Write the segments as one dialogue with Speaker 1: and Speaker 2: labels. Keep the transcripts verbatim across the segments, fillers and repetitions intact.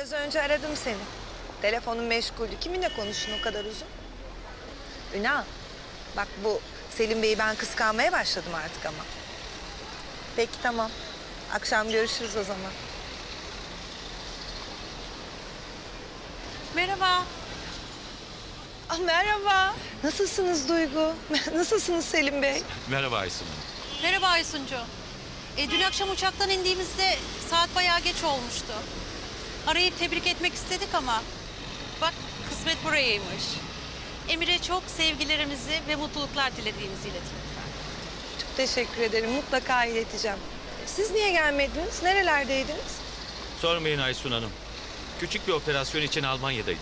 Speaker 1: Biraz önce aradım seni. Telefonun meşguldü. Kiminle konuştun o kadar uzun? Ünal, bak bu Selim Bey'i ben kıskanmaya başladım artık ama. Peki tamam. Akşam görüşürüz o zaman.
Speaker 2: Merhaba.
Speaker 1: Ah, merhaba. Nasılsınız Duygu? Nasılsınız Selim Bey?
Speaker 3: Merhaba Aysun Hanım.
Speaker 2: Merhaba Aysuncu. E, dün akşam uçaktan indiğimizde saat bayağı geç olmuştu. Arayıp tebrik etmek istedik ama bak kısmet burayaymış. Emir'e çok sevgilerimizi ve mutluluklar dilediğimizi iletin lütfen.
Speaker 1: Çok teşekkür ederim. Mutlaka ileteceğim. Siz niye gelmediniz? Nerelerdeydiniz?
Speaker 3: Sormayın Aysun Hanım. Küçük bir operasyon için Almanya'daydık.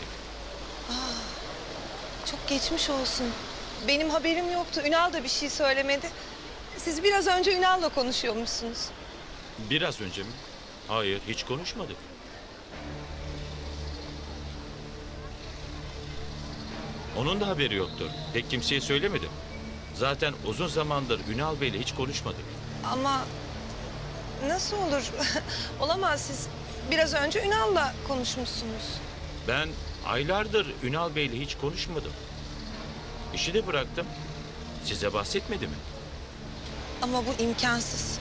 Speaker 1: Çok geçmiş olsun. Benim haberim yoktu. Ünal da bir şey söylemedi. Siz biraz önce Ünal'la konuşuyormuşsunuz.
Speaker 3: Biraz önce mi? Hayır, hiç konuşmadık. Onun da haberi yoktur. Pek kimseye söylemedim. Zaten uzun zamandır Ünal Bey'le hiç konuşmadık.
Speaker 1: Ama nasıl olur? Olamaz, siz biraz önce Ünal'la konuşmuşsunuz.
Speaker 3: Ben aylardır Ünal Bey'le hiç konuşmadım. İşi de bıraktım. Size bahsetmedi mi?
Speaker 1: Ama bu imkansız.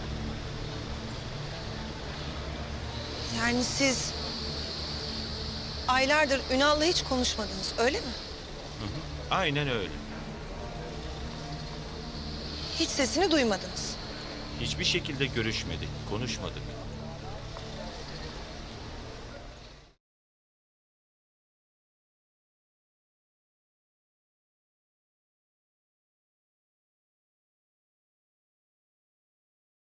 Speaker 1: Yani siz aylardır Ünal'la hiç konuşmadınız, öyle mi?
Speaker 3: Aynen öyle.
Speaker 1: Hiç sesini duymadınız.
Speaker 3: Hiçbir şekilde görüşmedik, konuşmadık.